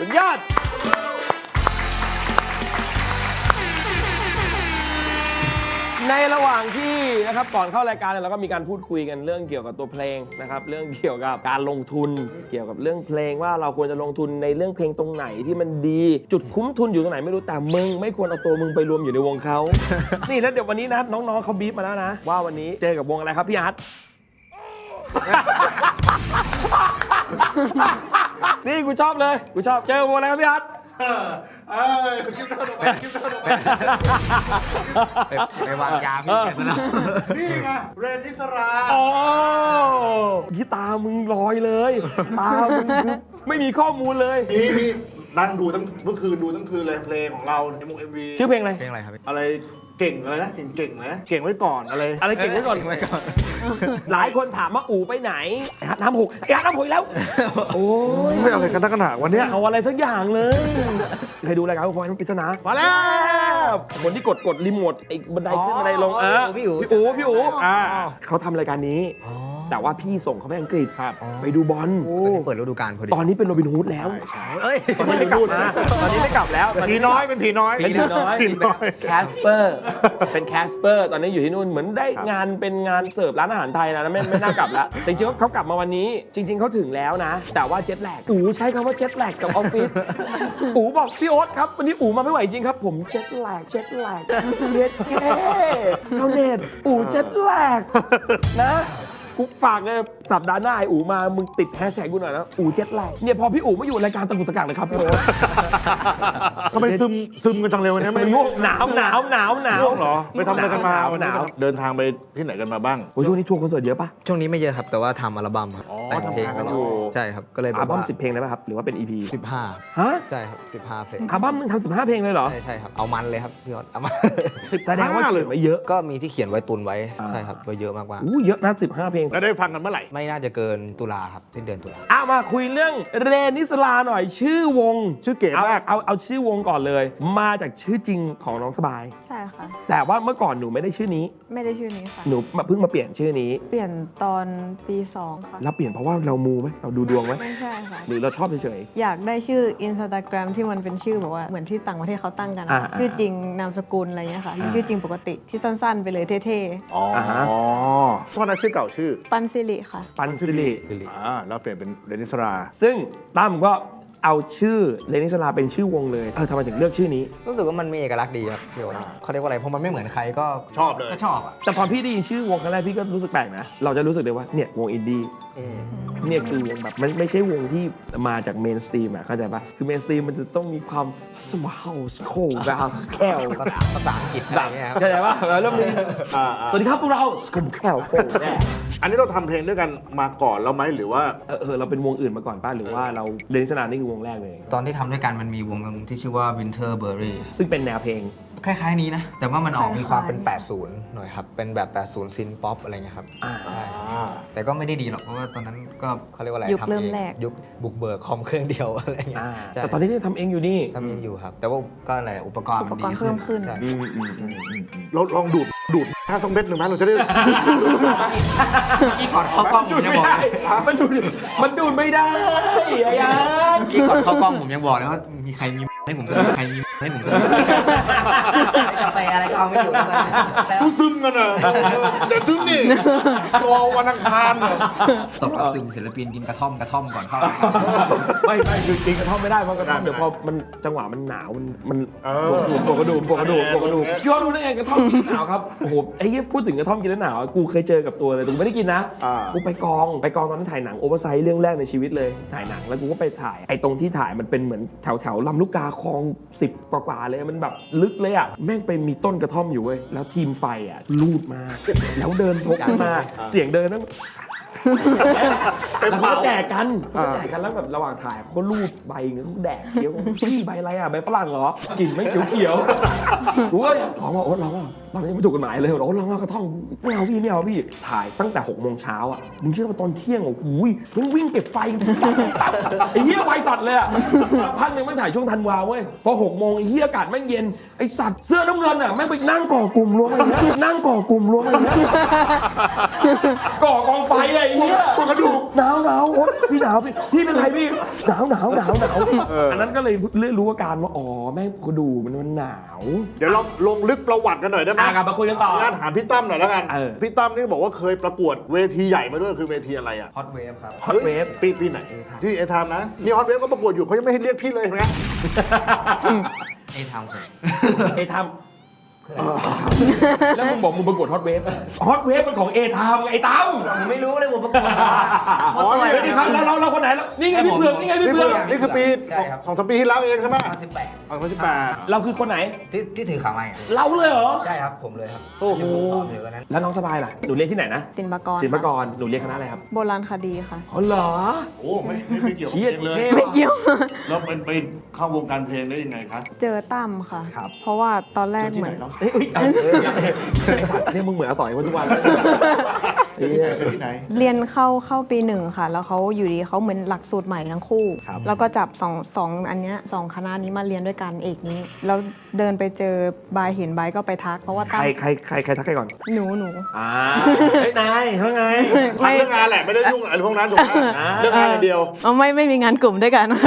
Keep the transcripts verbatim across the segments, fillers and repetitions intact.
สุดยอดในระหว่างที่นะครับก่อนเข้ารายการเนี่ยเราก็มีการพูดคุยกันเรื่องเกี่ยวกับตัวเพลงนะครับเรื่องเกี่ยวกับการลงทุนเกี่ยวกับเรื่องเพลงว่าเราควรจะลงทุนในเรื่องเพลงตรงไหนที่มันดีจุดคุ้มทุนอยู่ตรงไหนไม่รู้แต่มึงไม่ควรเอาตัวมึงไปรวมอยู่ในวงเขา นี่แล้วเดี๋ยววันนี้นะน้องๆเขาบีบมาแล้วนะว่าวันนี้เจอกับวงอะไรครับพี่อาร์ต นี่กูชอบเลยกูชอบเจอวงอะไรครับพี่อาร์ตเออเออคลิปหน้าลงไปคลิปหน้าลงไปไปวางยาพี่แกซะแล้วนี่ไงเรนนิสราโอ้ที่ตามึงลอยเลยตามึงคือไม่มีข้อมูลเลยนี่นี่นั่งดูทั้งเมื่อคืนดูทั้งคืนเลยเพลงของเราในวงเอ็มวีชื่อเพลงอะไรเพลงอะไรครับอะไรเก่งอะไรนะเก่งเก่งนะเก่งไว้ก่อนอะไรอะไรเก่งไว้ก่อนไว้ก่อนหลายคนถามว่าอู๋ไปไหนไอ้ฮัทน้ำหกไอ้ฮัทน้ำหกแล้วโอ้ยไม่อะไรกันนักหนาวันนี้เอาอะไรสักอย่างเลยเคยดูรายการพอยปริศนามาแล้วคนที่กดกดรีโมทไอ้บันไดขึ้นบันไดลงอ่ะพี่อู๋พี่อู๋พี่อู๋อ่าเขาทำรายการนี้แต่ว่าพี่ส่งเขาไปอังกฤษครับไปดูบอลเปิดฤดูกาลพอดีตอนนี้เป็นโรบินฮูดแล้วเอ้ยตอนนี้ไม่กลับมาตอนนี้ไม่กลับแล้วผีน้อยเป็นผีน้อยเป็นผีน้อยแคสเปอร์เป็นแคสเปอร์ตอนนี้อยู่ที่นู่นเหมือนได้งานเป็นงานเสิร์ฟร้านอาหารไทยนะไม่ไม่น่ากลับแล้วจริงๆเขากลับมาวันนี้จริงๆเขาถึงแล้วนะแต่ว่าเจ็ตแลกอู๋ใช้คำว่าเจ็ตแลกกับออฟฟิศอู๋บอกพี่โอ๊ตครับวันนี้อู๋มาไม่ไหวจริงครับผมเจ็ตแลกเจ็ตแลกเย็ดแค่เขาเน็ตอู๋เจ็ตแลกนะกูฝากเลยสัปดาห์หน้าไอ้อู๋มามึงติดแฮชแท็กกูหน่อยนะอู๋เจ็ตแลกเนี่ยพอพี่อู๋มาอยู่รายการตะกุกตะกักเลยครับพี่โอ๊ตทำไมซึมซึมกันจังเร็วเนี่ยมันง่วงหนาวหนาวหนาวหนาวเหรอไปทำอะไรกันมาหนาวเดินทางไปที่ไหนกันมาบ้างโอ้ช่วงนี้ทัวร์คอนเสิร์ตเยอะปะช่วงนี้ไม่เยอะครับแต่ว่าทำอัลบั้มครับแต่งเพลงกันอยู่ใช่ครับก็เลยอัลบั้มสิบเพลงได้ป่ะครับหรือว่าเป็น อี พีสิบห้าฮะใช่ครับสิบห้าเพลงอัลบั้มมึงทำสิบห้าเพลงเลยเหรอใช่ใช่ครับเอามันเลยครับพี่ออสเอามาแสดงว่าเขียนไว้เยอะก็มีที่เขียนไว้ตุนไว้ใช่ครับไว้เยอะมากว่าอู้เยอะนะสิบห้าเพลงแล้วได้ฟังกันเมื่อไหร่ไม่น่าจะเกินตุลาครับสิ้นเดือนตุลาอ่ะมาคุยเรื่องเรนนิสลาหน่อยชื่อวงชื่อเก๋มากเอาเอาชื่อวงก่อนเลยมาจากชื่อจริงของน้องสบายใช่ค่ะแต่ว่าเมื่อก่อนหนูไม่ได้ชื่อนี้ไม่ได้ชื่อนี้ค่ะหนูเพิ่งมาเปลี่ยนชื่อนี้เปลี่ยนตอนปีสองค่ะแล้วเปลี่ยนเพราะว่าเรามูไหมเราดูดวงไหมไม่ใช่ค่ะหรือเราชอบเฉยๆอยากได้ชื่อ Instagram ที่มันเป็นชื่อแบบว่าเหมือนที่ต่างประเทศเขาตั้งกันชื่อจริงนามสกุลอะไรเงี้ยค่ะชื่อจริงปกติที่สั้นๆไปเลยเท่ๆอ๋อตอนนั้นชื่อเก่าชื่อปันสิริค่ะปันสิริอ่าแล้วเปลี่ยนเป็นเรนนิสราซึ่งตั้มก็เอาชื่อเรนนิสราเป็นชื่อวงเลยเออทำไมถึงเลือกชื่อนี้รู้สึกว่ามันมีเอกลักษณ์ดีครับพี่โอ๊ตเขาเรียกว่าอะไรเพราะมันไม่เหมือนใครก็ชอบเลยก็ชอบอ่ะแต่พอพี่ได้ยินชื่อวงครั้งแรกพี่ก็รู้สึกแปลกนะเราจะรู้สึกเลยว่าเนี่ยวงอินดี้เนี่ยคือวงแบบมันไม่ใช่วงที่มาจากเมนสตรีมอ่ะเข้าใจปะคือเมนสตรีมมันจะต้องมีความสมาร์ทสโคลบาสแคลภาษาอังกฤษอะไรเงี้ยครับเข้าใจปะแล้วมีสวัสดีครับพวกเราสโคลแคลอันนี้เราทำเพลงด้วยกันมาก่อนแล้วไหมหรือว่าเออเออเราเป็นวงอื่นมาก่อนป่ะหรือว่าเราเรนนิสรานี่คือวงแรกเลยตอนที่ทำด้วยกันมันมีวงที่ชื่อว่า Winterberry ซึ่งเป็นแนวเพลงคล้ายๆนี้นะแต่ว่ามันออกมีความเป็นแปดสิบหน่อยครับเป็นแบบแปดสิบซินป๊อปอะไรเงี้ยครับแต่ก็ไม่ได้ดีหรอกเพราะว่าตอนนั้นก็เขาเรียกว่าอะไรทำเองยุคบุกเบิกคอมเครื่องเดียวอะไรเงี้ยแต่ตอนนี้ทำเองอยู่นี่ทำเองอยู่ครับแต่ว่าก็อะไรอุปกรณ์มันดีขึ้นเราลองดูดดูดห้าสองเม็ดหนึ่งไหมเราจะได้กี่ก่อนเข้ากล้องผมยังบอกมันดูดมันดูดไม่ได้ไอ้ยันกี่ก่อนเข้ากล้องผมยังบอกเลยว่ามีใครมีให้ผมเจอใครมีให้ผมเจอไปอะไรก็เอาไม่อยู่กูซึมกันอ่ะแต่ซึมนี่รอวันอังคารอ่ะตกกระซึมศิลปินกินกระท่อมกระท่อมก่อนเข้าไม่ไม่คือกินกระท่อมไม่ได้เพราะกระท่อมเดี๋ยวพอมันจังหวะมันหนาวมันมันปวดกระดูกปวดกระดูกปวดกระดูกย้อนรู้ได้ไงกระท่อมกินหนาวครับโอ้โหไอ้เงี้ยพูดถึงกระท่อมกินแล้วหนาวกูเคยเจอกับตัวเลยแต่กูไม่ได้กินนะกูไปกองไปกองตอนนั้นถ่ายหนังโอเวอร์ไซส์เรื่องแรกในชีวิตเลยถ่ายหนังแล้วกูก็ไปถ่ายไอ้ตรงที่ถ่ายมันเป็นเหมือนแถวแถวลำลูกกาคลองสิบกว่าๆเลยมันแบบลึกเลยอ่ะแม่งไปมีต้นกระท่อมอยู่เว้ยแล้วทีมไฟอ่ะลูดมาแล้วเดินพกมาเสียงเดินนั่งแล้วเขาแจกกันเขาแจกกันแล้วแบบระหว่างถ่ายเขาลูดใบเงี้ยเขาแดกเคี้ยวพี่ใบอะไรอ่ะใบฝรั่งเหรอกลิ่นไม่เขียวๆรู้ว่าลองว่าโอ๊ตลองว่าตอนนี้ไม่ถูกกฎหมายเลยเราลองกระท่อมไม่เอาพี่ไม่เอาพี่ถ่ายตั้งแต่หกโมงเช้าอ่ะมึงเชื่อว่าตอนเที่ยงอ่ะอุ้ยมึงวิ่งเก็บไฟไอ้เหี้ยไวสัตว์เลยอ่ะพักหนึ่งไม่ถ่ายช่วงธันวาเว้ยพอหกโมงไอ้เหี้ยอากาศแม่งเย็นไอ้สัตว์เสื้อน้ำเงินอ่ะแม่งไปนั่งก่อกลุ่มรวมกันนั่งก่อกลุ่มรวมกันก่อกองไฟเลยไอ้เหี้ยปวดกระดูกหนาวหนาวโอ๊ยพี่หนาวพี่พี่เป็นไรพี่หนาวหนาวหนาวหนาวอันนั้นก็เลยเรื่อรู้อาการว่าอ๋อแม่งกระดูกมันมันหนาวเดี๋ยวเราลงลึกประวัติกันหน่อยได้ไหมอ่ะกลับมาคุยกันต่อญาติถามพี่ตั้มหน่อยแล้วกันเออพี่ตั้มนี่บอกว่าเคยประกวดเวทีใหญ่มาด้วยคือเวทีอะไรอ่ะฮอตเวฟครับฮอตเวฟปีปีไหนที่เอทามนะนี่ฮอตเวฟก็ประกวดอยู่เขายังไม่ให้เรียกพี่เลยเห็นไหมไอ้ทำผมเอทามแล้วมึงบอกมึงประกวดฮอตเวฟฮอตเวฟเป็นของเอทามไอ้ตั้มผมไม่รู้เลยผมประกวดอ๋อเดี๋ยวนี้ครับแล้วเราเราคนไหนแล้วนี่ไงพี่เผือกนี่ไงพี่นี่เผืคือ อก นี่คือปีใช่ครับสองสามปีที่แล้วเองใช่ไหมตอนสิบแปดอ๋อพันสิบแปดเราคือคนไหนที่ที่ถือขาไม้อะเราเลยเหรอใช่ครับผมเลยครับโอ้โหที่ผมตอบอยู่วันนั้นแล้วน้องสบายล่ะหนูเรียนที่ไหนนะศิลปากรศิลปากรหนูเรียนคณะอะไรครับโบราณคดีค่ะอ๋อเหรอโอ้ไม่ไม่ไม่เกี่ยวกับเฮียเพลงเลยเท่ไม่เกี่ยวแล้วเป็นไปเข้าวงการเพลงได้ยังไงคะเจอตั้มค่ะครับเพราะว่าตอนแรกเจอที่เหมืไหนอนเนาะเอ้ยเอ้ยเอาเอ้ยไอ้สัตว์เนี่ยมึงเหมือนอาต่อยมาทุกวันเลยไอ้เหี้ยเจอที่ไหนเรียนเข้าเข้าปีหนึ่งค่ะ แล้วเขาอยู่ดีเขาเหมือนหลักสูตรใหม่ทั้งคู่ครับแล้วก็จับสองสองอันเนี้ยสองคณะนี้มาเรียนด้วยกันเอกนี้ แล้วเดินไปเจอบายเห็นบายก็ไปทัก เพราะว่าใคตั้รมใครใครใครทักใครก่อนหนูหนูอ่าเฮ้ยนายว่าไงทำเรื่องงานแหละไม่ได้ยุ่งอะไรพวกนั้นถูกไหมอ่าเรื่องงานอย่างเดียวเอาไม่ไม่มีงานกลุ่มด้วยกันค่ะ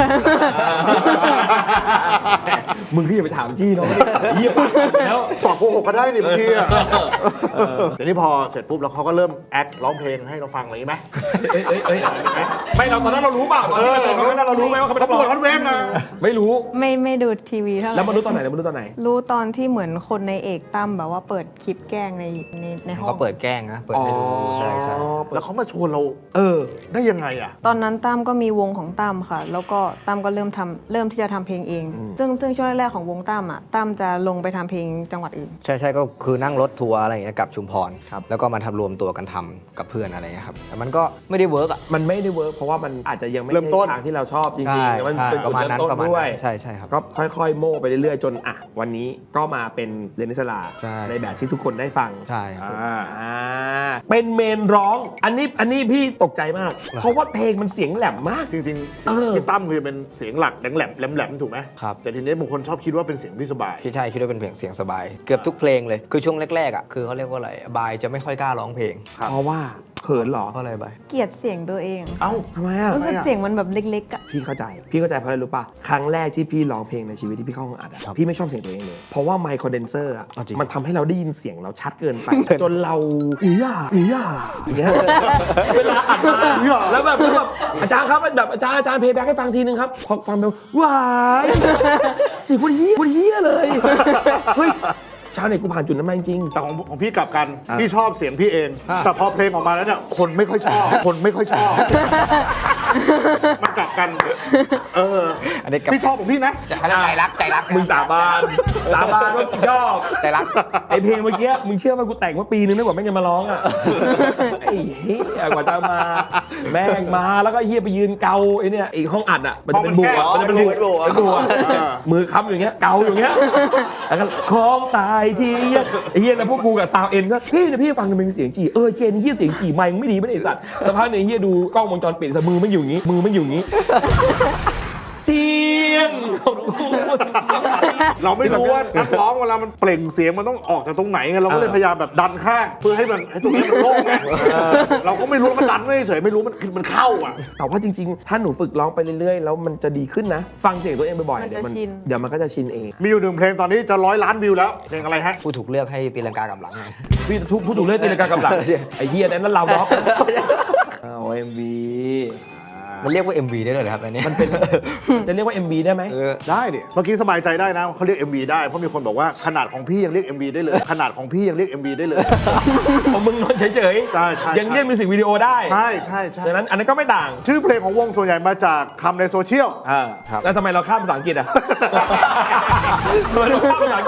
มึงก็อย่าไปถามจี้น้องดิเยี่ยปากสั่นแล้วตอบโกหกก็ได้นี่บางทีอ่ะเดี๋ยวนี้พอเสร็จปุ๊บแล้วเขาก็เริ่มแอคร้องเพลงให้เราฟังอะไรอย่างนี้ไหมเอ้ยเอ้ยเอ้ยไม่เราตอนนั้นเรารู้เปล่าตอนที่เราตอนนั้นเรารู้ไหมว่าเขาเป็นปนัระกกร้วอดงฮอตเวฟนะไม่รู้ไม่ไม่ดูทีวีเท่าไหร่แล้วมารู้ตอนไหนแล้วมารู้ตอนไหนรู้ตอนที่เหมือนคนในเอกตั้มแบบว่าเปิดคลิปแกล้งในในในห้องเขาเปิดแกล้งนะเปิดให้ดูใช่ใช่แล้วเขามาชวนเราเออได้ยังไงอ่ะตอนนั้นตั้มก็มีวงของตั้มค่ะ แล้วก็ตั้มก็เริ่มทำเริ่มที่จะทำเพลงเองอืมซึ่งซึ่งช่วงแรกๆของวงตั้มอ่ะตั้มจะลงไปทำเพลงจังหวัดอื่นใช่ใช่ก็คือนั่งรถทัวร์อะไรอย่างเงี้ยกลับชุมพรครับแล้วก็มาทำรวมตัวกันทำกับเพื่อนอะไรเงี้ยครับแต่มันก็ไม่ได้เวิร์กอ่ะมันไม่ได้เวิร์กเพราะว่ามันอาจจะยังไม่เริ่มต้นใช่ทางที่เราชอบจริใช่งๆแล้วมันใช่เป็นปจุดระมาณเริ่นั้นมต้นประมาณด้วยนั้นใช่ใช่ครับก็ค่อยๆ โม่ไปเรื่อยๆ จนอ่ะวันนี้ก็มาเป็นเรนนิสลาใช่ในแบบที่ทุกคนได้ฟังใช่ครับอ่าอ่าเป็นเมนร้อง อันนี้อันนี้พี่ตกใจมาก เพราะว่าเพลงมันเสียงแหลมมากจริงเออๆพี่ตั้มคือเป็นเสียงหลักแหลมๆแหลมๆถูกไหมครับแต่ทีนี้บางคนชอบคิดว่าเป็นเสียงพี่สบายคิดใช่คิดว่าเป็นเพลงเสียงสบาย เกือบทุกเพลงเลยคือช่วงแรกๆอ่ะคือเขาเรียกว่าอะไรบายจะไม่ค่อยกล้าร้องเพลงครับเพราะว่าเขินเหรอเพราะอะไรบายเกลียดเสียงตัวเองเอ้าทำไมอ่ะรู้สึกทำไมอะเสียงมันแบบเล็กๆอ่ะพี่เข้าใจ พี่เข้าใจเพราะอะไรรู้ป่ะ ครั้งแรกที่พี่ร้องเพลงในชีวิตที่พี่เข้าห้องอัดอะพี่ไม่ชอบเสียงตัวเองเลย เพราะว่าไมค์คอนเดนเซอร์อะเอาจริงมันทำให้เราได้ยินเสียงเราชัดเกินไป จนเราอีหย่าอีหย่าอย่างเงี้ยเวลาอัดมาแล้วแบบแล้วแบบอาจารย์ครับแบบอาจารย์อาจารย์เพลย์แบ็กให้ฟังทีนึงครับพอฟังไปว้ายเสียงคนเฮี้ยคนเฮี้ยเลยเฮ้ยชาวเน็ตกูผ่านจุดนั้นมาจริงแต่ของของพี่กลับกันอ่ะพี่ชอบเสียงพี่เอง แต่พอเพลงออกมาแล้วเนี่ยคนไม่ค่อยชอบ คนไม่ค่อยชอบ มันกลับกัน เอออันนี้กับพี่ชอบของพี่นะใจใจรักใจรักมึงสาบานสาบานว่าชอบใจรักไอเพลงเมื่อกี้มึงเชื่อว่ากูแต่งมาปีนึงนึกว่าแม่งจะมาร้องอ่ะ ไอ้เหี้ยกว่าจะมา แม่งมาแล้วก็เฮียไปยืนเกาไอ้เนี่ยอีกห้องอัดอ่ะมันจะเป็นบุกอ่ะห้องมัมัน นจะแคเป็นบบุกอ๋อเป็นบุกอ่ะเออมือค้ำอยู่อย่างเงี้ยเกาอยู่อย่างเงี้ยแล้วก็คล้องตายทีเหี้ยไอ้เหี้ยแล้วพวกกูกับซาวเอ็นก็พี่เนี่ยพี่ฟังมันเป็นเสียงจีเออเจนเฮียเสียงจีไมค์มึงไม่ดีไม่ได้ไอ้สัตว์สักพักหนึ่งเฮียดูกล้องวงจรปิดสมือมันอยู่อย่างงี้มือมันอยู่อย่างงี้เทียนของกูเราไม่รู้ว่านักร้องเวลามันเปล่งเสียงมันต้องออกจากตรงไหนไงเราก็เลยพยายามแบบดันข้างเพื่อให้มันให้ตรงนี้มันโล่งไงเออเราก็ไม่รู้ว่ามันดันไม่เฉยไม่รู้มันคือมันเข้าอ่ะแต่ว่าจริงๆ ถ้าหนูฝึกร้องไปเรื่อยๆ แล้วมันจะดีขึ้นนะ ฟังเสียงตัวเองบ่อยๆมันเดี๋ยวมันจะชินเดี๋ยวมันก็จะชินเองมีอยู่หนึ่งเพลงตอนนี้จะร้อยล้านวิวแล้วเพลงอะไรฮะผู้ถูกเลือกให้ตีลังกากลับหลังไงพี่ทุกผู้ถูกเลือกตีลังกากำลังใช่ไอ้เฮียนั้นเราล็อกเอาเอ็มวีมันเรียกว่า เอ็ม วี ได้เลยเหรอครับอันนี้มันเป็นจะเรียกว่า เอ็ม วี ได้ไหมเออได้ดิเมื่อกี้สบายใจได้นะเขาเรียก เอ็ม วี ได้เพราะมีคนบอกว่าขนาดของพี่ยังเรียก เอ็ม วี ได้เลย ขนาดของพี่ยังเรียก เอ็ม วี ได้เลยของมึงนอนเฉยใช่ใช่ๆ ยังเรียกมิวสิกวิดีโอได้ใช่ใช่ใช่ฉะนั้นอันนั้นก็ไม่ต่างชื่อเพลงของวงส่วนใหญ่มาจากคำในโซเชียลอ่าแล้วทำไมเราข้ามภาษาอังกฤษอ่ะทำไมเราข้ามภาษาอังกฤษอ่ะ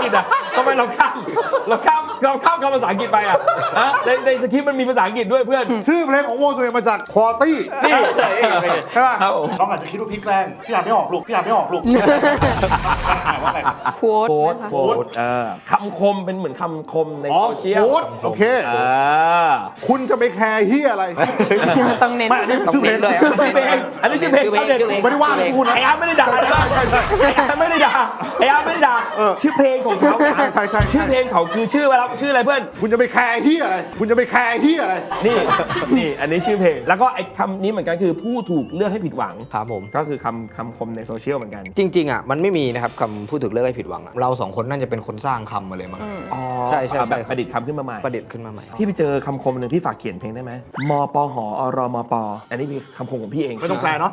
ทำไมเราข้ามเราข้ามเราข้ามคำภาษาอังกฤษไปอ่ะฮะในในสคริปต์มันมีภาษาอังกฤษด้วยเพื่อนชื่อเพลงของวงส่วนใหญ่มาจากควอตี้นี่ใช่ป่ะครับผมน้องอาจจะคิดว่าพี่แกล้งพี่อ่านไม่ออกลูกพี่อ่านไม่ออกลูกว่าไงโค้ดโค้ดนะคะโค้ดเออคำคมเป็นเหมือนคำคมในอ๋อโซเชียลโค้ดโอเคเออคุณจะไปแคร์เฮียอะไรต้องเน้นไม่อันนี้ชื่อเพลงต้องเน้นเลยชื่อเพลงอันนี้ชื่อเพลงเขาเด็ดผมไม่ได้ว่าคุณนะไอ้อาร์ตไม่ได้ด่านะไอ้อาร์ตไม่ได้ด่าไอ้อาร์ตไม่ได้ด่าเออชื่อเพลงของเขาใช่ใช่ใช่ชื่อเพลงเขาคือชื่ออะไรชื่ออะไรเพื่อนคุณจะไปแคร์เฮียอะไร คุณจะไปแคร์เฮียอะไรนี่ นี่อันนี้ชื่อเพลง แล้วก็ไอ้คำนี้เหมือนกันคือผู้ถูกเลือกให้ผิดหวังครับผมก็คือคำคำคมในโซเชียลเหมือนกันจริงๆอ่ะมันไม่มีนะครับคำพูดถึงเลือกให้ผิดหวังอะเราสองคนน่าจะเป็นคนสร้างคำมาเลยมั้งอ๋อใช่ใช่ใช่แบบประดิษฐ์คำขึ้นมาใหม่ประดิษฐ์ขึ้นมาใหม่พี่ไปเจอคำคมหนึ่งพี่ฝากเขียนเพลงได้ไหมมปหอรมปอันนี้เป็นคำคมของพี่เองไม่ต้องแปลเนาะ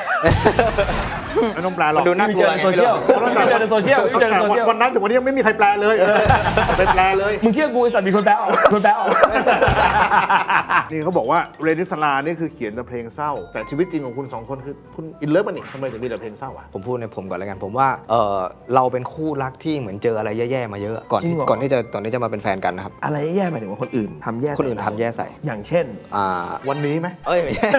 ไม่ต้องแปลหรอกมันดูน่าพี่ไปเจอในโซเชียลพี่ไปเจอในโซเชียลพี่ไปเจอในโซเชียลวันนั้นถึงวันนี้ยังไม่มีใครแปลเลยเออไปแปลเลยมึงเชื่อกูไอ้สัตว์มีคนแปลออกคนแปลออกนี่เขาบอกว่าเรนิสลานี่คือเขียนแต่เพลงเศร้า แต่ชีวิตจริงของคุณสองคนคือคุณอินเลิฟมันนี่ทำไมถึงมีแต่เพลงเศร้าอ่ะผมพูดในผมก่อนแล้วกัน ผมว่าเออเราเป็นคู่รักที่เหมือนเจออะไรแย่ๆมาเยอะก่อนจริงเหรอก่อนที่จะตอนนี้จะมาเป็นแฟนกันนะครับอะไรแย่หมายถึงว่าคนอื่นทำแย่ใส่คนอื่นทำแย่ใส่อย่างเช่นอ่าวันนี้ไหมเอ้ยไม่ใช่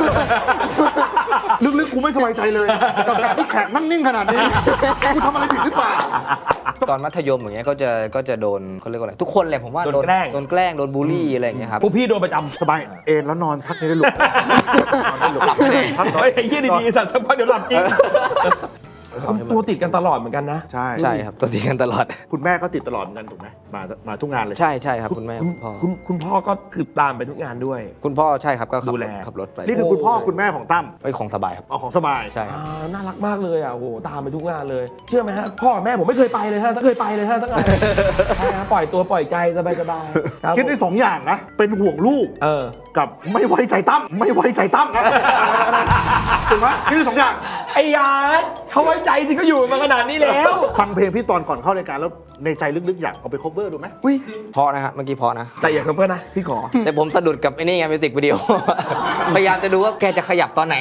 ลึกๆกูไม่สบายใจเลยกับการที่แขกนั่งนิ่งขนาดนี้กูทำอะไรผิดหรือเปล่าตอนมัธยมอย่างเงี้ยก็จะก็จะโดนเขาเรียกว่าอะไรทุกคนเลยผมว่าโดนแกล้งโดนแกล้งโดนบูลลี่อะไรอย่างเงี้ยครับพวกพี่โดนประจำสบายเอนแล้วนอนพักนี้ได้หลุดนอนได้หลุดพักหน่อเฮ้ยยไอ้เหี้ยดีๆสัตว์สักพักเดี๋ยวหลับจริงคนตัวติดกันตลอดเหมือนกันนะใช่ใช่ครับตัวตีกันตลอดคุณแม่ก็ติดตลอดเหมือนกันถูกไหมมามาทุกงานเลยใช่ใช่ครับคุณแม่คุณคุณพ่อคุณคุณพ่อก็คือตามไปทุกงานด้วยคุณพ่อใช่ครับก็ขับดูรแลถขับรถไปนี่คือคุณพ่อคุณแม่ของตั้มไอ้ยของสบายครับเอาของสบายใช่ครับอ่าน่ารักมากเลยอ่ะโอ้โหตามไปทุกงานเลย เชื่อไหมฮะพ่อแม่ผมไม่เคยไปเลยฮะถ้าเคยไปเลยฮะสักงานใช่ฮะปล่อยตัวปล่อยใจสบายสบายๆครับคิดได้สองอย่างนะ เป็นห่วงลูกเออกับไม่ไว้ใจตั้มไม่ไว้ใจตั้มนะถูกไหมคิดได้สองอย่างไอ้ยาเขาไว้ใจที่เขาอยู่มาขนาดนี้แล้วฟังเพลงพี่ตอนก่อนเข้ารายการแล้วในใจลึกๆอยากเอาไป cover ดูไหมอุ้ยเพราะนะฮะเมื่อกี้เพราะนะแต่อย่าเพิ่มนะพี่ขอแต่ผมสะดุดกับไอ้นี่ไงมิวสิกวิดีโอ พยายามจะดูว่าแกจะขยับตอนไหน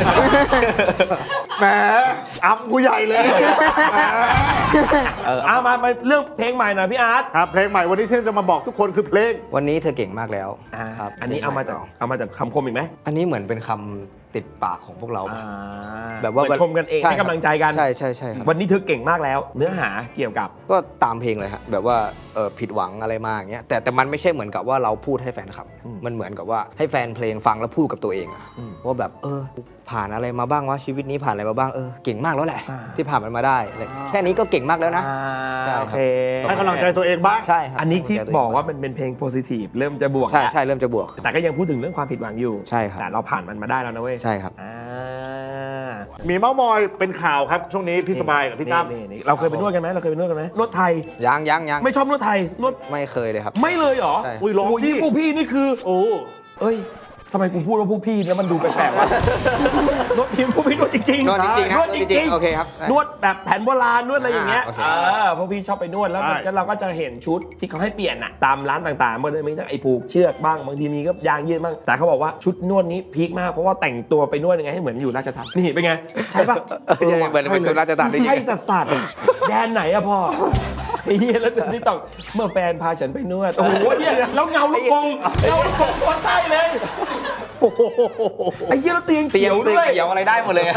แหมอ้ำกูใหญ่เลยแหมเออเอามามาเรื่องเพลงใหม่หน่อยพี่อาร์ตครับเพลงใหม่วันนี้ที่จะมาบอกทุกคนคือเพลงวันนี้เธอเก่งมากแล้วอ่าครับอันนี้เอามาจากเอามาจากคำคมอีกไหมอันนี้เหมือนเป็นคำติดปากของพวกเราอ่าแบบว่าเหมือนชมกันเองช่ให้กำลังใจกันใช่ใช่ใช่ครับวันนี้เธอเก่งมากแล้ว เนื้อหาเกี่ยวกับก็ตามเพลงเลยฮะแบบว่าเออผิดหวังอะไรมาอย่างเงี้ยแต่แต่มันไม่ใช่เหมือนกับว่าเราพูดให้แฟนคลับอืมมันเหมือนกับว่าให้แฟนเพลงฟังแล้วพูดกับตัวเองอะอืมว่าแบบเออผ่านอะไรมาบ้างวะชีวิตนี้ผ่านอะไรมาบ้างเออเก่งมากแล้วแหละอ่าที่ผ่านมันมาได้อะไรแค่นี้ก็เก่งมากแล้วนะอ่าใช่ครับโอเคให้กำลังใจตัวเองบ้างใช่ครับอันนี้ที่ให้ำลังใจตัวเงบอกว่ามันเป็นเพลงโพซิทีฟเริ่มจะบวกใช่แล้วใช่เริ่มจะบวกแต่ก็ยังพูดถึงเรื่องความผิดหวังอยู่ใช่ครับแต่เราผ่านมันมาได้แล้วนะเว้ยใช่ครับอ่ามีเม้ามอยเป็นข่าวครับช่วงนี้พี่สบายกับพี่ตั้มนี่นี่เราเคยไปนวดกันไหมเราเคยไปนวดกันไหมนวดไทยยังยังยังไม่ชอบนวดไทยนวดไม่เคยเลยครับไม่เลยเหรอใช่อุ้ยร้องโอ้ยพี่พวกพี่นี่คือโอ้เอ้ยทำไมกูพูดว่าพวกพี่แล้วมันดูแปลกๆวะ นวดพี่พวกพี่นวดจริงๆนวดจริงๆนะนวดจจริริงงๆโอเคครับนวดแบบแผนโบราณนวดอะไรอย่างเงี้ยอ่าโอเคเออพวกพี่ชอบไปนวดแล้วมันก็เราก็จะเห็นชุดที่เขาให้เปลี่ยนอะตามร้านต่างๆมันจะมีทั้งไอ้ผูกเชือกบ้างบางทีมีก็ยางยืดบ้างแต่เขาบอกว่าชุดนวดนี้พีคมากเพราะว่าแต่งตัวไปนวดยังไงให้เหมือนอยู่ราชทัณฑ์นี่เป็นไงใช่ปะเออเหมือนเป็นคนราชการได้ยังใช่ไงสัสสัสแดนไหนอะพ่อไอ้เหี้ยแล้วนี่ต้องเมื่อแฟนพาฉันไปนวดโอ้โหเนี่ยแล้วเงาลูกกงเงาลูกกงตัวใช่เลยโอ้โหไอ้เหี้ยแล้วเตียงเตียเขีงยวเตียงด้วยเขียวอะไรได้หมดเลย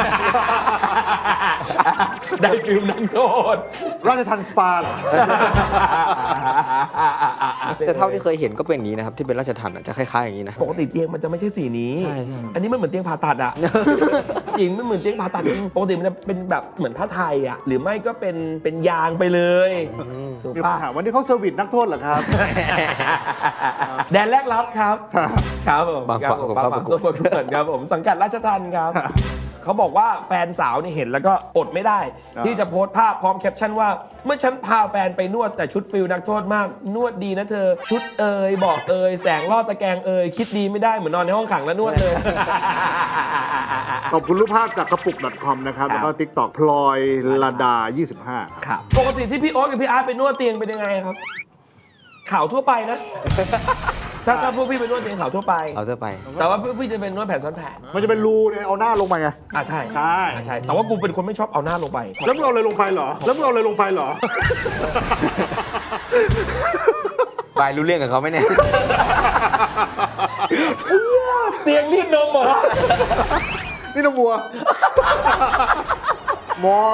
ได้ฟิลนักโทษราชทันสปาเหรอแต่เท่าที่เคยเห็นก็เป็นอย่างนี้นะครับที่เป็นราชทัณฑ์อะจะคล้ายๆอย่างนี้นะปกติเตียงมันจะไม่ใช่สีนี้ใช่ใช่อันนี้มันเหมือนเตียงผ่าตัดอะ จริงไม่เหมือนเตียงผ่าตัดจริงปกติมันจะเป็นแบบเหมือนผ้าไทยอะหรือไม่ก็เป็นเป็นยางไปเลยถูกมีคปะนถามวันนี้เขาเซอร์วิสนักโทษเหรอครับแดนแรกรับครับ ครับผมบางฝั่งครับผมสงบางครามฝั่งประกสวดมบูรณ์เหมือนครับผมสังกัดราชทัณฑ์ครับ เขาบอกว่าแฟนสาวนี่เห็นแล้วก็อดไม่ได้อ่าที่จะโพสต์ภาพพร้อมแคปชั่นว่า เมื่อฉันพาแฟนไปนวดแต่ชุดฟิลนักโทษมาก นวดดีนะเธอ ชุดเอ่ยบอกเอ่ยแสงลอดตะแกรงเอ่ยคิดดีไม่ได้เหมือนนอนในห้องขังแล้วนวดเลยขอบคุณรูปภาพจากกระปุก .com นะครับครับแล้วก็ TikTok พลอยลาดา ยี่สิบห้า ครับครับปกติที่พี่โอ๊ตกับพี่อาร์ตไปนวดเตียงเป็นยังไงครับ ข่าวทั่วไปนะถ้าถ้าพวกพี่เป็นนวดเตียงขาวทั่วไปเอาเสื้อไปแต่ว่าพวกพี่จะเป็นนวดแผ่นซ้อนแผ่นมันจะเป็นรูเนี่ยเอาหน้าลงไปไงอ่ะใช่ใช่อ่ะใช่ แต่ว่ากูเป็นคนไม่ชอบเอาหน้าลงไปแล้วมึงเอาอะไรลงไปเหรอ แล้วมึงเอาอะไรลงไปเหรอบายรู้เรื่องกับเขาไหมเนี่ยเตียงรีดนมเหรอนี่น้องบัวมอ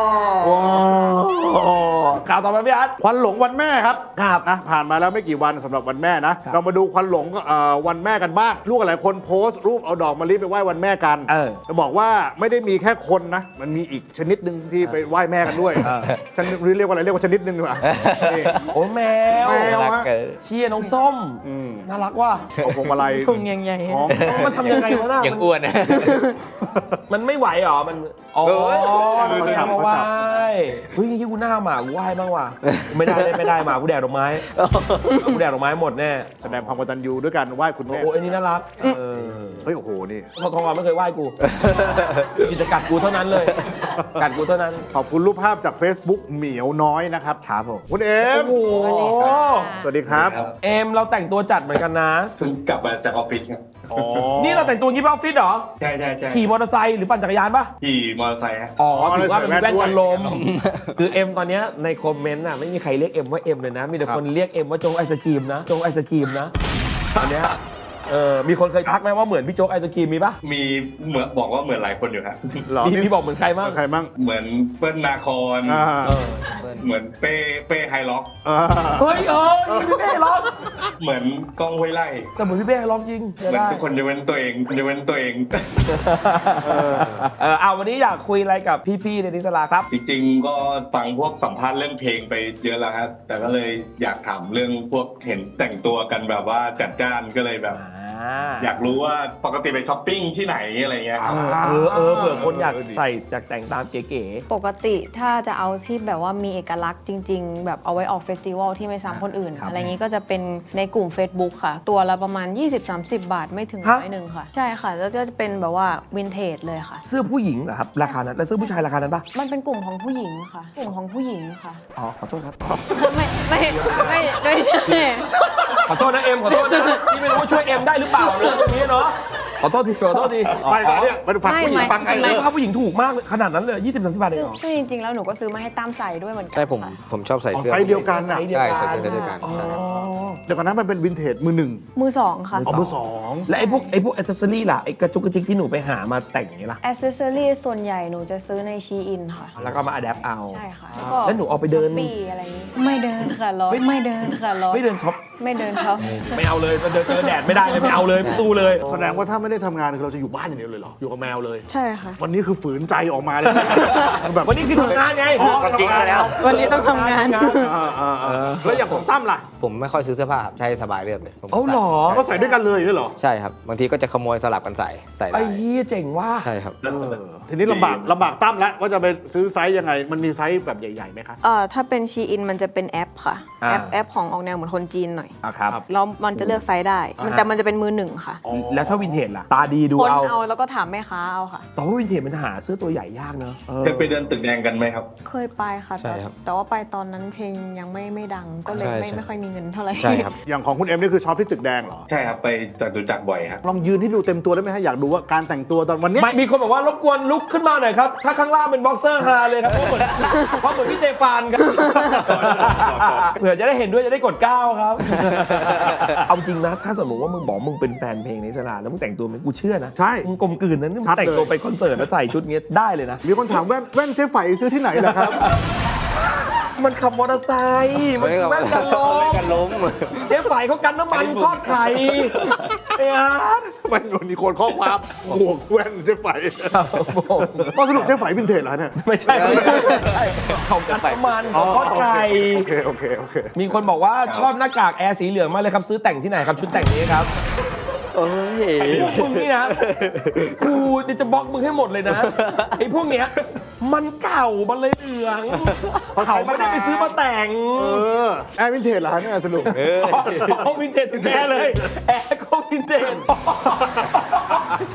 ข่าวต่อไปพี่อาร์ตควันหลงวันแม่ครับครับนะผ่านมาแล้วไม่กี่วันสำหรับวันแม่นะ เรามาดูควันหลงเอ่อวันแม่กันบ้างลูกหลายคนโพสต์รูปเอาดอกมะลิไปไหว้วันแม่กันเออจะบอกว่าไม่ได้มีแค่คนนะ มันมีอีกชนิดหนึ่งที่ไปไหว้แม่กันด้วยฉันเรียกว่าอะไรเรียกว่าชนิดหนึ่งดีกว่านี่โอ้แมวแมวรักฮะเกินเชียร์น้องส้มอืมน่ารักว่ะเอาพวงมาลัยพุงใหญ่ๆของมันทำยังไงวะน่ะอย่างอ้วนนะมันไม่ไหวเหรอ มัน อ๋อเออมันไม่มาไหว้เฮ้ยยี่กูหน้าหมากูไหว้บ้างว่ะ ไม่ได้ไม่ได้หมากูแดกดอกไม้กูแดกดอกไม้หมดแน่แสดงความกตัญญูด้วยกันไหว้คุณแม่โอ้ไอ้นี่น่ารัก เออเฮ้ยโอ้โหนี่ทองทองอ่ะไม่เคยไหว้กูจิตกัดกูเท่านั้นเลย กัดกูเท่านั้นขอบคุณรูปภาพจาก Facebook เหมียวน้อยนะครับครับผมคุณเอ็มโอ้โหสวัสดีครับเอ็มเราแต่งตัวจัดเหมือนกันนะเพิ่งกลับมาจากออฟฟิศครับอ๋อนี่เราแต่งตัวงี้ไปออฟฟิศเหรอใช่ใช่ใช่ขี่มอเตอร์ไซค์หรือปั่นจักรยานปะขี่มอเตอร์ไซค์ฮะอ๋อถือว่ามันมีแว่นกันลมด้วยคือเอ็มตอนเนี้ยในคอมเมนต์น่ะไม่มีใครเรียกเอ็มว่าเอ็มเลยนะ มีแต่ครับคนเรียกเอ็มว่าโจ๊กไอศกรีมนะ โจ๊กไอศกรีมนะตอนเนี้ยเออมีคนเคยทักไหมว่าเหมือนพี่โจ๊กไอศกรีมมีปะมีเหมือนบอกว่าเหมือนหลายคนอยู่ฮะเหรอพี่นี่พี่บอกเหมือนใครบ้างใครบ้างเหมือนเปิ้ลนาคอนอ่าเออเหมือนเป้เป้ไฮล็อกอ่าเฮ้ยเออพี่เป้ร้องเหมือนกล้องห้วยไร่แต่เหมือนพี่เป้ร้องจริงเหจะมือนได้ทุกคนจะเว้นตัวเองจะเว้นตัวเองเออเออเอาวันนี้อยากคุยอะไรกับพี่ๆในนิสลาครับจริงๆก็ฟังพวกสัมภาษณ์เรื่องเพลงไปเยอะแล้วครับแต่ก็เลยอยากถามเรื่องพวกเห็นแต่งตัวกันแบบว่าจัดจ้านก็เลยแบบ อยากรู้ว่าปกติไปช้อปปิ้งที่ไหนอะไรเงี้ยครับเออเออเผื่อคนอยากใส่จากแต่งตามเก๋ปกติถ้าจะเอาที่แบบว่ามีเอกลักษณ์จริง ๆ แบบเอาไว้ออกเฟสติวัลที่ไม่ซ้ำคนอื่น อะไรอย่างนี้ก็จะเป็นในกลุ่ม Facebook ค่ะ ตัวละประมาณ ยี่สิบถึงสามสิบ บาทไม่ถึงร้อยหนึ่งค่ะ ใช่ค่ะ แล้วก็จะเป็นแบบว่าวินเทจเลยค่ะๆเสื้อผู้หญิงเหรอครับราคานั้นแล้วเสื้อผู้ชายราคานั้นปะมันเป็นกลุ่มของผู้หญิงค่ะ กลุ่มของผู้หญิงค่ะอ๋อขอโทษครับไม่ไม่ไม่ไม่ใช่ขอโทษนะเอ็มขอโทษนะที่ไม่รู้ว่าช่วยเอ็มได้หรือเปล่าเรื่องตรงนี้เนาะขอโทษทีขอโทษทีไปก่อนเนี่ยไปฟังผู้หญิงฟังไงเสื้อผ้าผู้หญิงถูกมากเลยขนาดนั้นเลยยี่สิบสามสิบบาทเองเหรอซึ่งจริงๆแล้วหนูก็ซื้อมาให้ตามใส่ด้วยเหมือนกัใช่ผมค่ะผมชอบใส่อ๋อเสื้อไซส์เดียวกันไซอ่ะส์เดียวใช่กันใส่เสื้อเดียวกันอ๋อใช่ครับเดี๋ยวก่อนนะมันเป็นวินเทจมือหนึ่งมือสองค่ะอ๋อมือสองและไอ้พวกไอ้พวกอ c เซสซอรี่ล่ะไอ้กระจุกกระจิกที่หนูไปหามาแต่งอย่างนี้ล่ะแอ c เซสซอรี่ส่วนใหญ่หนูจะซื้อในชีอินค่ะแล้วก็มาอัดแอปเอาใช่ค่ะแล้วหนูเอาไปเดินปีอะไรอย่างงี้ไม่เดินค่ะร้อนไม่เดินค่ะร้อนไม่เดินช็อปไม่เดินเขาไม่เอาเลยเดินเจอแดดไม่ได้เลยไม่เอาเลยไม่สู้เลยแสดงว่าถ้าไม่ได้ทำงานคือเราจะอยู่บ้านอย่างเดียวเลยเหรอ อยู่กับแมวเลยใช่ค่ะวันนี้คือฝืนใจออกมาเลย แบบวันนี้คือทำงานไงอ๋อจริงแล้ววันนี้ต้องทำงานอ่าอ่าอ่าแล้วอย่างของตั้มล่ะผมไม่ค่อยซื้อเสื้อผ้าครับใช้สบายเรียบเลยผมเอาเหรอใส่ก็ใส่ด้วยกันเลยอย่างนี้เหรอใช่ครับบางทีก็จะขโมยสลับกันใส่ใส่ไอ้ได้เหี้ยเจ๋งว่ะใช่ครับเออทีนี้ลำบากลำบากตั้มแล้วว่าจะไปซื้อไซส์ยังไง มันมีไซส์แบบใหญ่ๆไหมคะเอ่อถ้าเป็นชีอินมันจะเป็นแอปค่ะอ่าแอปแอปของออกแนวเหมือนคนจีนหน่อยอ่ะครับแล้วมันจะเลือกไซส์ได้มันอ่าแต่มันจะเป็นมือหนึ่งค่ะแล้วถ้าวินเทจล่ะ ตาดีดูคนเอาเอาแล้วก็ถามแม่ค้าเอาค่ะแต่ว่าวินเทจมันหาเสื้อตัวใหญ่ยากเนอะเออเคยไปเดินตึกแดงกันไหมครับเคยไปค่ะใช่แต่ครับแต่ว่าไปตอนนั้นเพลงยังไม่ไม่ดังก็เลยใช่ไม่ใช่ไม่ค่อยมีเงินเท่าไหร่ใช่ครับอย่างของคุณเอ็มนี่คือช็อปที่ตึกแดงเหรอใช่ครับไปจตุจักรบ่อยครับลองยืนให้ดูเต็มตัวได้ไหมฮะอยากดูว่าการแต่งตัวตอนวันเนี้ยไม่มีคนบอกว่ารบกวนลุกขึ้นมาหน่อยครับ ถ้าข้างล่างเป็นบ็อกเซอร์ฮาเลยครับเพราะเหมือนเพราะเหมือนพี่เตฟานครับเผื่อจะได้เห็นด้วยจะได้กดเก้าครับ เอาจริงนะ ถ้าสมมติว่ามึงบอกมึงเป็นแฟนเพลงในสลาแล้วมึงแต่งตัวเหมือนกูเชื่อนะใช่มึงกลมกลืนนะนี่มึชังดเลยแต่งตัวไปคอนเสิร์ตแล้วใส่ชุดเงี้ยได้เลยนะมีคนถามแว่นแว่นเจ๊ไฝซื้อที่ไหนเหรอครับมันขับมอเตอร์ไซค์มันแม่งกันลมกันล้มเจ๊ฝ่ายเขากันน้ำมันทอดไข่ไอ้อาร์ตแว่นวันนี้คนข้อความหมวกแว่นเจ๊ไฝครับผมก็สรุปเจ๊ไฝวินเทจเหรอเนี่ยไม่ใช่ไม่ใช่เขากันน้ำมันเขาทอดไข่โอเคโอเคโอเคมีคนบอกว่าชอบหน้ากากแอร์สีเหลืองมากเลยครับ ซื้อแต่งที่ไหนครับ ชุดแต่งนี้ครับโอ้ยมึงนี่นะกูเดี๋ยวจะบล็อกมึงให้หมดเลยนะไอ้พวกเนี้ยมันเก่ามันเลยเหลืองเขาไม่ได้ไปซื้อมาแต่งเออแอร์วินเทจเหรอเนี่ยสรุปอ๋อวินเทจถึงแท้เลย แอร์ก็วินเทจชอบแต่ง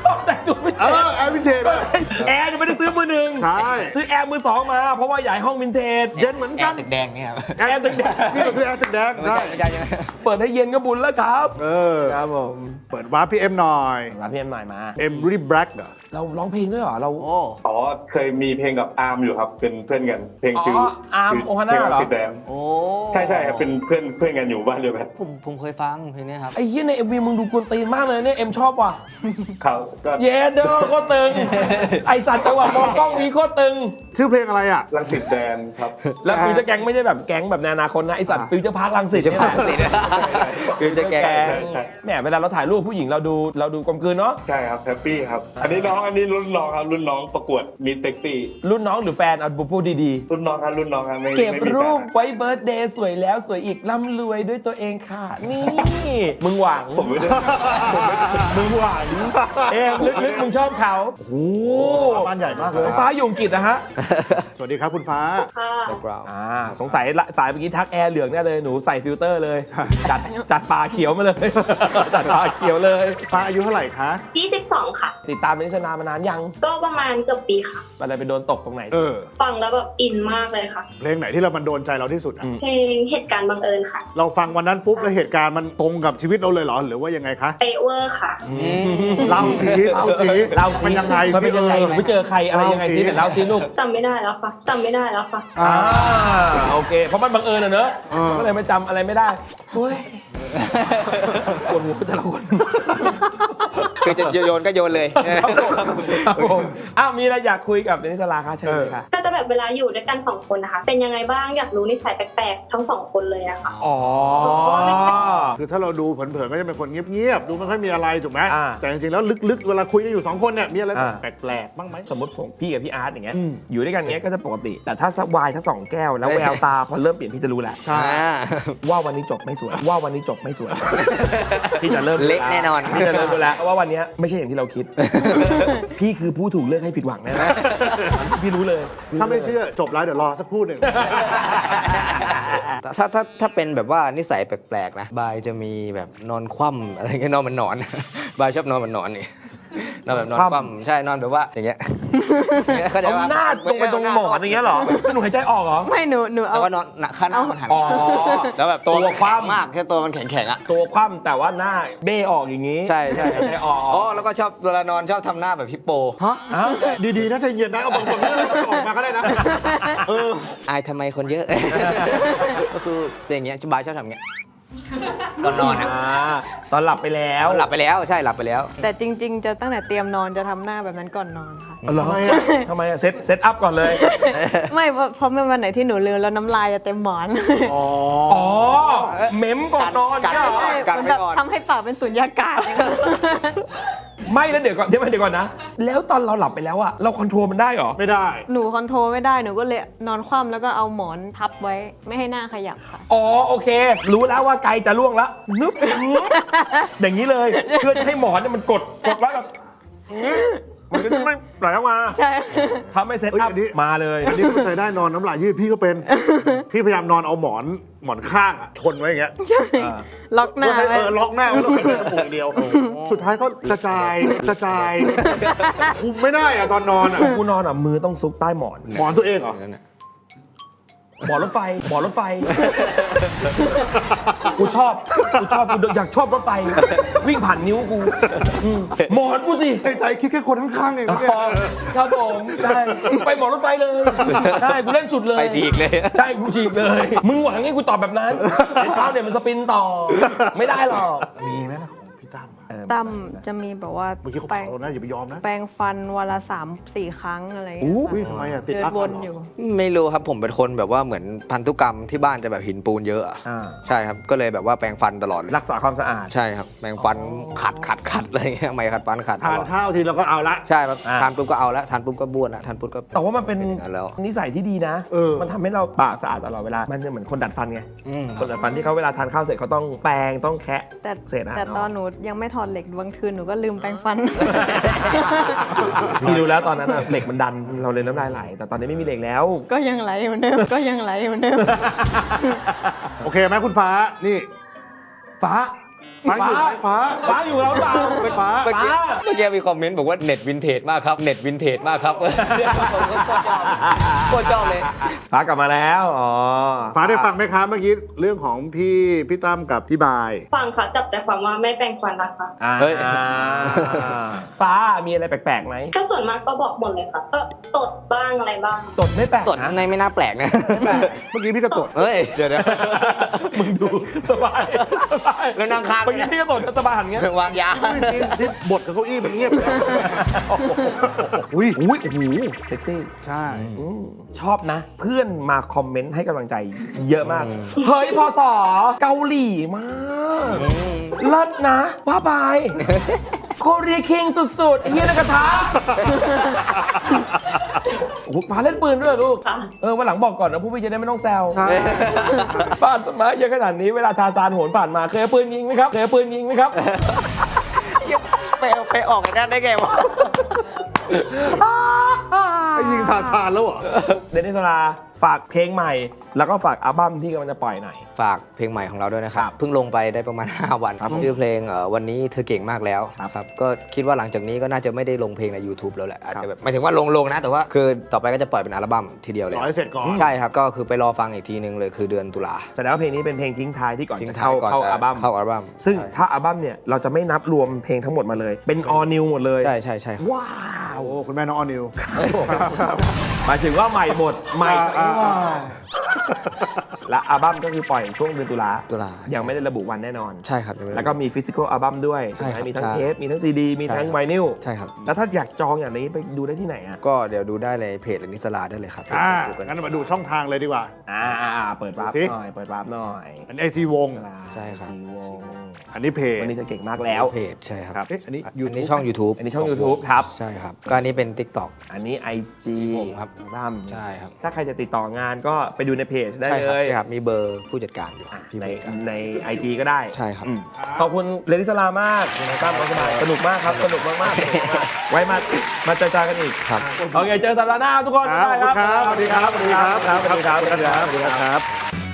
ตัววินเอเทจอแอร์วินเทจอะแอร์ยังไม่ได้ซื้อมือหนึ่งใช่ซื้อแอร์มือสองมาเพราะว่าอยากให้ห้องวินเทจเย็นเหมือนแอกันร์ตึกแดงเนี่ยครับแอร์ตึกแดงนี่ก็คือแอร์ตึกแดงไม่ใช่ใช่ไม่ใช่ใช่ไหมเปิดให้เย็นก็บุญแล้วครับเออครับผมเปิดวาร์ปพี่เอ็มหน่อยรับพี่เอ็มใหม่มาเอ็มรีแบล็กเหรอเราร้องเพลงด้วยเหรอเราโอ้อ๋อเคยมีเพลงกับอาร์มอยู่ครับ เป็นเพื่อนกันเพลงอ๋อชื่ออาร์มชื่โอฮาน่าเหรอพลงติดแดงโอ้ใช่ใช่ครับเป็นเพื่อนเพื่อนกันอยู่บ้านเดียวกันผมผมเคยฟังเพลงนี้ครับไอ้เหี้ยในเอ็มวีมึงดูกวนตีนมากเลยเนี่ยเอ็มชอบว่ะเขาก็เย้เด้อโคตรตึง ไอสัตว์จังหวะมองกล้องวีโคตรตึงชื่อเพลงอะไรอ่ะรังสิตแดนครับแล้วฟิวเจอร์แก๊งไม่ใช่แบบแก๊งแบบในอนาคตนะไอสัตว์ฟิวเจอร์พาร์คลังสิตนี่แหละคือจะแกแก๊งใช่แหมเวลาเราถ่ายรูปผู้หญิงเราดูเราดูกลมกลืนเนาะใช่ครับแฮปปี้ครับ อันนี้น้องอันนี้รุ่นน้องครับรุ่นน้องประกวดมิสเซ็กซี่รุ่นน้องหรือแฟนเอาพูดดีรุ่นน้องครับรุ่นน้องครับไม่ๆ เก็บไม่มีแฟนรูปครับไว้เบิร์ธเดย์สวยแล้วสวยอีกร่ำรวยด้วยตัวเองค่ะ นี่ มึงหวังผมไม่ได้มึงหวังเอ็มลึกๆมึงชอบเขาโอ้โหบ้านใหญ่มากเลยฟ้าอยู่อังกฤษนะฮะสวัสดีครับคุณฟ้าแบ็กกราวด์อ่าสงสัยละสายเมื่อกี้ทักแอร์เหลืองแน่เลยหนูใส่ฟิลเตอร์เลย จัดจัดปลาเขียวมาเลย จัดปลาเขียวเลยฟ้าอายุเท่าไหร่คะยี่สิบสองค่ะติดตามเป็นชนามานานยังก็ประมาณเกือบปีค่ะอะไรไปโดนตกตรงไหนเออฟังแล้วแบบอินมากเลยค่ะเพลงไหนที่เรามันโดนใจเราที่สุดอะอืมเพลงเหตุการณ์บังเอิญค่ะเราฟังวันนั้นปุ๊บแล้วเหตุการณ์มันตรงกับชีวิตเราเลยเหรอหรือว่ายังไงคะเปเวอร์ค่ะเล่าสิเล่าสิเล่าสิมันยังไงมันเป็นยังไงหนูไปเจอใครอะไรยังไงสิเดี๋ยวเล่าสิลูกจำไม่ได้แล้วค่ะจำไม่ได้แล้วค่ะอ่าอ่าโอเค เพราะมันบังเอิญอะเนอะเออก็เลยไม่จำอะไรไม่ได้โอ้ยปวดหัวแต่ละคนคือจะโยนก็โยนเลยครับผมอ้าวมีอะไรอยากคุยกับเดนิสลาคะเชิญเลยค่ะก็จะแบบเวลาอยู่ด้วยกันสองคนนะคะ เป็นยังไงบ้างอยากรู้นิสัยแปลกๆทั้งสองคนเลยอะค่ะอ๋อคือถ้าเราดูเผินๆก็จะเป็นคนเงียบๆดูไม่ค่อยมีอะไรถูกไหมอ่าแต่จริงๆแล้วลึกๆเวลาคุยกันอยู่สองคนเนี่ยมีอะไรอ่าแปลกๆบ้างไหมสมมติผมพี่กับพี่อาร์ตอย่างเงี้ยอืมอยู่ด้วยกันอย่างเงี้ยก็จะปกติ แต่ถ้าสักวายสักสองแก้วแล้วแววตาพอเริ่มเปลี่ยนพี่จะรู้แล้วใช่ว่าวันนี้จบไม่สวย ว่าวันนี้จบไม่สวย พี่จะเริ่มเละแน่นอนพี่จะเริ่มรู้แล้วว่าวันเนี้ยไม่ใช่อย่างที่เราคิด พี่คือผู้ถูกเลือกให้ผิดหวังแน่ๆพี่รู้เลยถ้าไม่เชื่อจบแล้วเดี๋ยวรอสักครู่หนึ่งถ้าถ้าถ้าเป็นแบบว่านิสัยแปลกๆนะบายจะมีแบบนอนคว่ำอะไรเงี้ยนอนเหมันหนอน บายชอบนอนเหมันหนอนนี่นอนแบบนอนคว่ำคว่ำใช่นอนแบบว่าอย่างเงี้ยเข้าใจเอาปะหน้าตรงไปตรงหมอนอย่างเงี้ยเหรอหนูหายใจออกเหรอไม่หนูหนูเอาแล้วก็นอนหนักข้างหน้ามันหันอ๋อแล้วแบบตัวตัวคว่ำแข็งมากแค่ตัวมันแข็งๆอ่ะตัวคว่ำแต่ว่าหน้าเบ้ออกอย่างงี้ใช่ใช่หายใจออกอ๋อแล้วก็ชอบเวลานอนชอบทำหน้าแบบฮิปโปฮะอ้าวดีๆนะใจเย็นนะเอาบางคนไม่ออกมาก็ได้นะเอออายทำไมคนเยอะ ก็คือเป็นอย่างเงี้ยบายชอบทำอย่างเงี้ยตอนนอนอ่ะอ่าตอนหลับไปแล้วหลับไปแล้วใช่หลับไปแล้วแต่จริง ๆ จะตั้งแต่เตรียมนอนจะทำหน้าแบบนั้นก่อนนอนค่ะอ๋อเหรอทำไมอะทำไมอะเซตเซตอัพก่อนเลยไม่เพราะเพราะเมื่อวันไหนที่หนูลืมแล้วน้ำลายจะเต็มหมอนอ๋ออ๋อเม้มก่อนนอนกัดเนี่ยเหรอกัใช่ดมันไว้แบบก่อนทำให้ปากเป็นสุญญากาศอย่างเงี้ยไม่แล้วเดี๋ยวก่อนเดี๋ยวเดี๋ยวก่อนนะ แล้วตอนเราหลับไปแล้วอะเราคอนโทรลมันได้เหรอไม่ได้หนูคอนโทรลไม่ได้หนูก็เลยนอนคว่ำแล้วก็เอาหมอนทับไว้ไม่ให้หน้าขยับค่ะอ๋อโอเค รู้แล้วว่าไกลจะล่วงแล้วนึบอย่างนี้เลยเพื่อจะให้หมอนเนี่ยมันกดกดไว้แบบมันก็จะไม่ไหลออกมาใช่ทำให้เซตเอ้ยอัพอันนี้มาเลยอันนี้เข้าใจได้นอนน้ำลายยืดพี่ก็เป็น พี่พยายามนอนเอาหมอนหมอนข้างอะชนไว้อย่างเงี้ยใช่อ่าล็อกหน้าเพื่อให้ไว้เออล็อกหน้าไว้แล้วเป็นจมูกอย่างเดียว สุดท้ายก็กระจายกระจายคุมไม่ได้อะตอนนอนอะกูนอนอ่ะมือต้องซุกใต้หมอนหมอนตัวเองเหรอหมอนรถไฟหมอนรถไฟ กูชอบกูชอบกูอยากชอบรถไฟ วิ่งผ่านนิ้วกูอืมหมอนกูสิในใจคิดแค่คนข้างๆเองอ๋อเนี่ยครับผมได้ไปหมอนรถไฟเลยได้กูเล่นสุดเลยไปฉีกเลยใช่กูฉีกเลย มึงหวังให้กูตอบแบบนั้นเดี๋ยวเช้าเนี่ยมันสปินต่อ ไม่ได้หรอกมีไหมนะของพี่ตั้มอะตั้มจะมีแบบว่าเมื่อกี้เขาแปรเผาง นะอย่าไปยอมนะแปรงฟันวันละสามสี่ครั้งอะไรอย่างเงี้ยอุ้ยค่ะทำไมอะติดเดินรักวกันนเหรออยู่ไม่รู้ครับผมเป็นคนแบบว่าเหมือนพันธุกรรมที่บ้านจะแบบหินปูนเยอะอะอ่าใช่ครับก็เลยแบบว่าแปรงฟันตลอดเลยรักษาความสะอาดใช่ครับแปรงฟันขัดขัดขัดอะไรเงี้ยไม่ขัดฟันขัดตทานลอดข้าวทีเราก็เอาละใช่ครับอ่าทานปุ๊บก็เอาละทานปุ๊บก็บ้วนละทานปุ๊บก็แต่ว่ามันเป็นเป็นอย่างนั้นแล้วนิสัยที่ดีนะเออมันทำให้เราปากสะอาดตลอดเวลา มันจะเหมือนคนดัดฟันไงอืมคนดัดฟันที่เขาเวลาทานข้าวเสร็จเขาต้องแปรงต้องแคะแต่เศษอาหารแต่ตอนเนาะหนูยังไม่ถอดเหล็กบางคืนหนูก็ลืมแปรงฟันพี่ดูแล้วตอนนั้นอะเหล็กมันดันเราเลยน้ำลายไหล แต่ตอนนี้ไม่มีเหล็กแล้วก็ยังไหลเหมือนเดิมก็ยังไหลเหมือนเดิมโอเคไหมคุณฟ้านี่ฟ้าฟ้าอยู่ไหมฟ้าฟ้าอยู่แล้วหรือเปล่าไม่ฟ้าเมื่อกี้เมื่อกี้มีคอมเมนต์บอกว่าเน็ตวินเทจมากครับเน็ตวินเทจมากครับโคตรชอบเลยฟ้ากลับมาแล้วอ๋อฟ้าได้ฟังไหมครับเมื่อกี้เรื่องของพี่พี่ตั้มกับพี่บายฟังค่ะจับใจความว่าไม่แปรงฟันนะคะอ่าเฮ้ยฟ้ามีอะไรแปลกๆไหมก็ส่วนมากก็บอกหมดเลยค่ะก็ตดบ้างอะไรบ้างตดไม่แปลกตดนะในไม่น่าแปลกนะเมื่อกี้พี่ก็ตดเฮ้ย เดี๋ยวนะมึงดูสบายสบายแล้วนั่งข้างเมื่อกี้พี่ก็ตดสบายหันเงี้ยวางยาที่ที่บทกับเก้าอี้มันเงียบไปแล้วอุ้ยอุ้ยโอ้โหเซ็กซี่ใช่อืมชอบนะ เพื่อนมาคอมเมนต์ให้กำลังใจเยอะมาก เฮ้ยพอสอเกาหลีมากเลิศนะว่าไปโคเรียคิงสุดๆไอ้เฮียนักกระทะโอ้โหฟ้าเล่นปืนด้วยเหรอลูกค่ะเออวันหลังบอกก่อนนะผู้พี่จะได้ไม่ต้องแซวใช่บ้านต้นไม้เยอะขนาดนี้เวลาทาซานโหนผ่านมาเคยเอาปืนยิงไหมครับเคยเอาปืนยิงไหมครับไปไปออกไอ้นั่นได้ไงวะไอ้ยิงทาซานแล้วเหรอเดนิสลาฝากเพลงใหม่ แล้วก็ฝากอัลบั้มที่กำลังจะปล่อยหน่อยฝากเพลงใหม่ของเราด้วยนะครับครับเพิ่งลงไปได้ประมาณ ห้า วันครับผมชื่อเพลงเอ่อวันนี้เธอเก่งมากแล้วครับครับก็คิดว่าหลังจากนี้ก็น่าจะไม่ได้ลงเพลงใน YouTube แล้วแหละอาจจะแบบหมายถึงว่าลงลงนะ แต่ว่าคือต่อไปก็จะปล่อยเป็นอัลบั้มทีเดียวเลยรอให้เสร็จก่อนใช่ครับก็คือไปรอฟังอีกทีนึงเลยคือเดือนตุลาแสดงว่าเพลงนี้เป็นเพลงทิ้งท้ายที่ก่อนทิ้งจะท้าเข้ายก่อนเข้าจะอัลบั้มเข้าอัลบั้มซึ่งใช่ถ้าอัลบั้มเนี่ยเราจะไม่นับรวมเพลงทั้งหมดมาเลย เป็น all new หมดเลยใช่ใช่ใช่ครับว้าวโอ้คุณแม่น้องออนิวหมายถึงว่าใหม่หมดใหม่อ่าอ่าอ่าและอัลบั้มก็คือปล่อยช่วงเดือนตุลาตุลายังไม่ได้ระบุวันแน่นอนใช่ครับยังไม่ได้แล้วก็มีฟิสิกอลอัลบั้มด้วยใช่ครับมีทั้งใช่เทปมีทั้งซีดีมีทั้งใช่ไวนิลใช่ครับแล้วถ้าอยากจองอย่างนี้ไปดูได้ที่ไหนอ่ะก็เดี๋ยวดูได้เลยเพจเลนิสลาได้เลยครับอ่าดูกันงั้นมาดูช่องทางเลยดีกว่าอ่าอ่าอ่าเปิดวาร์ปดูสิหน่อยเปิดวาร์ปหน่อยอันไอทีวงใช่ครับทีวงอันนี้เพจวันนี้จะเก่งมากแล้วเพจใช่ครับครับเอ๊ะอันนี้อัน YouTube นี้ช่อง YouTube อันนี้ช่อง YouTube ครับใช่ครับก็อันนี้เป็น TikTok อันนี้ ไอ จีผมครับบ้ามใช่ครับถ้าใครจะติดต่องานก็ไปดูในเพจได้ใช่คเลรับยใช่ครับมีเบอร์ผู้จัดการอยู่อ่ะพี่ในผู้จัดการใน ไอ จี ก็ได้ใช่ครับอืมขอบคุณเลนิสลามากคุณตั้มน้องสบายสนุกมากครับ สนุกมากๆสนุกมากไว้มามาเจอกันกันอีกครับโอเค เจอสัปดาห์หน้าทุกคนครับบ๊ายบายขอบคุณครับสวัสดีครับสวัสดีครับสวัสดีครับสวัสดีครับสวัสดีครับ